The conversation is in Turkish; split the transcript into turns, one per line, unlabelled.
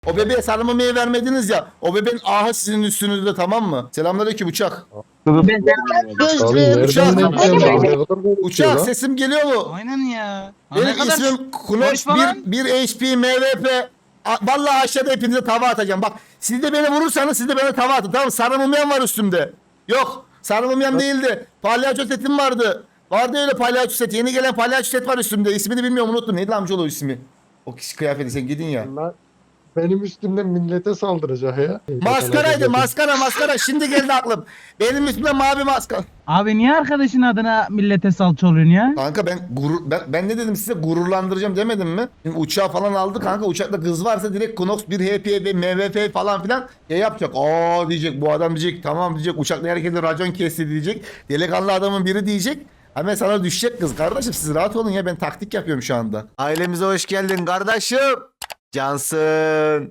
O bebeğe sarılmamayı vermediniz ya. O bebeğin ahı sizin üstünüzde, tamam mı? Selamünaleyküm uçak.
Abi
Gözlüm.
nereden
Uçak.
denk geldi? Ne kadar konuşuyor
Uçak
lan?
sesim geliyor mu?
Aynen ya.
Benim ismim Kunoş
konuşma lan.
1 HP MVP. Vallahi aşağıda hepinize tava atacağım. Bak siz de beni vurursanız siz de bana tava atın. Tamam, sarılmayan var üstümde. Yok, sarılmayan değildi. Palyaço setim vardı. Vardı öyle palyaço set. Yeni gelen palyaço set var üstümde. İsmini bilmiyorum, unuttum. Neydi amcaoğlu ismi? O kişi kıyafeti, sen gidin ya.
Lan benim üstümden millete saldıracak ya.
Maskaraydı, maskara. Şimdi geldi aklım. Benim üstümde mavi maskara.
Abi niye arkadaşın adına millete salça oluyorsun ya?
Kanka ben ne dedim size, gururlandıracağım demedim mi? Şimdi uçağı falan aldı kanka, uçakta kız varsa direkt Knox 1 HP ve MVF falan filan yapacak. Aa diyecek, bu adam diyecek, tamam diyecek, uçakla herkese racon kesti diyecek. Delikanlı adamın biri diyecek. Hemen sana düşecek kız. Kardeşim siz rahat olun ya, ben taktik yapıyorum şu anda. Ailemize hoş geldin kardeşim. Cansın.